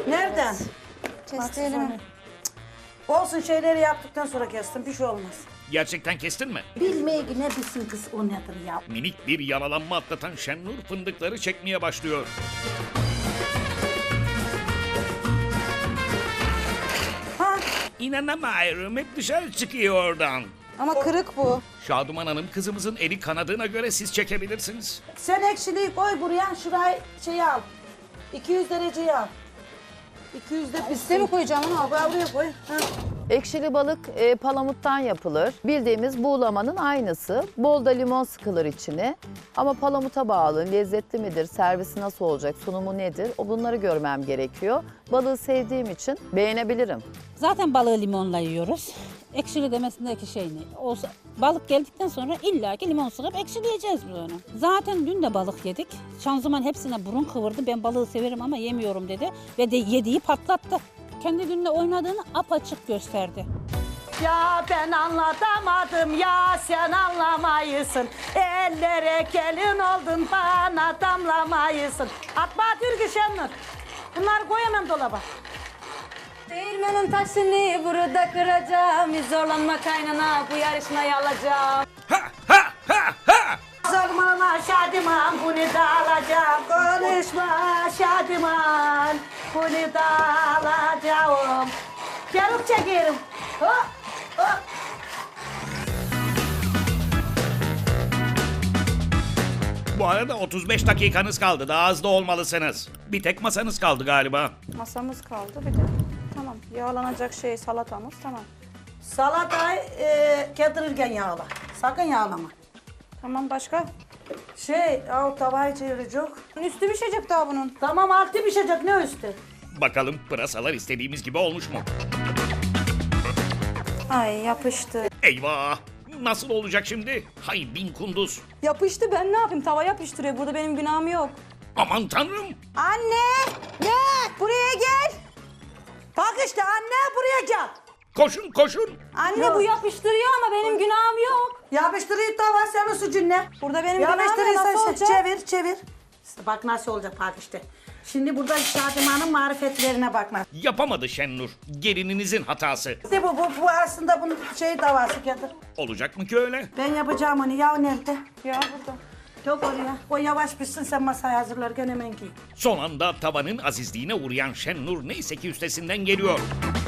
Nereden? Kestirelim. Olsun şeyleri yaptıktan sonra kestim. Bir şey olmaz. Gerçekten kestin mi? Bilmeye ne bilsin kız o nedir ya. Minik bir yaralanma atlatan Şenur fındıkları çekmeye başlıyor. Ha? İnanamıyorum, hep dışarı çıkıyor oradan. Ama kırık bu. Şaduman Hanım, kızımızın eli kanadığına göre siz çekebilirsiniz. Sen ekşiliği koy buraya. Şurayı al. 200 dereceyi al. 200'de Üste mi koyacağım onu? buraya koy. Ha. Ekşili balık palamuttan yapılır. Bildiğimiz buğulamanın aynısı. Bol da limon sıkılır içine. Ama palamuta bağlı, lezzetli midir, servisi nasıl olacak, sunumu nedir? Bunları görmem gerekiyor. Balığı sevdiğim için beğenebilirim. Zaten balığı limonla yiyoruz. Ekşili demesindeki şey ne? Olsa, balık geldikten sonra illaki limon sıkıp ekşileyeceğiz biz onu. Zaten dün de balık yedik. Şanzıman hepsine burun kıvırdı. Ben balığı severim ama yemiyorum dedi. Ve de yediği patlattı. Kendi günle oynadığını apaçık gösterdi. Ya ben anlatamadım ya sen anlamayısın. Ellere gelin oldun bana damlamayısın. Atma Türkü Şenur. Bunları koyamam dolaba. Değirmenin taşını burada kıracağım. Zorlanma kaynana bu yarışmayı alacağım. Ha ha ha ha! Zorlama Şadiman bunu da alacağım. Konuşma Şadiman bunu da alacağım. Yarık çekerim. Hop hop. Bu arada 35 dakikanız kaldı. Daha hızlı olmalısınız. Bir tek masanız kaldı galiba. Masamız kaldı bir de. Tamam yağlanacak şey salatamız tamam. Salatayı kedirirken yağla. Sakın yağlama. Tamam başka? O tavayı çevirecek. Üstü pişecek daha bunun. Tamam altı pişecek ne üstü? Bakalım pırasalar istediğimiz gibi olmuş mu? Ay yapıştı. Eyvah! Nasıl olacak şimdi? Hay bin kunduz. Yapıştı ben ne yapayım tava yapıştırıyor burada benim günahım yok. Aman tanrım! Anne! Gel! Buraya gel! Bak işte anne buraya gel. Koşun koşun! Anne bu yapıştırıyor ama benim günahım yok. Yapıştırıyı tava senin suçun ne? Burada benim günahım yok Yapıştırıyı nasıl olacak? çevir. İşte bak nasıl olacak bak işte. Şimdi burada Şadiman'ın marifetlerine bakma. Yapamadı Şenur. Gelininizin hatası. İşte bu aslında bunun tavası getir. Olacak mı ki öyle? Ben yapacağım onu. Yağ nerede? Ya burada. Yok oraya. O yavaş pişsin sen masayı hazırlarken hemen giy. Son anda tavanın azizliğine uğrayan Şenur neyse ki üstesinden geliyor.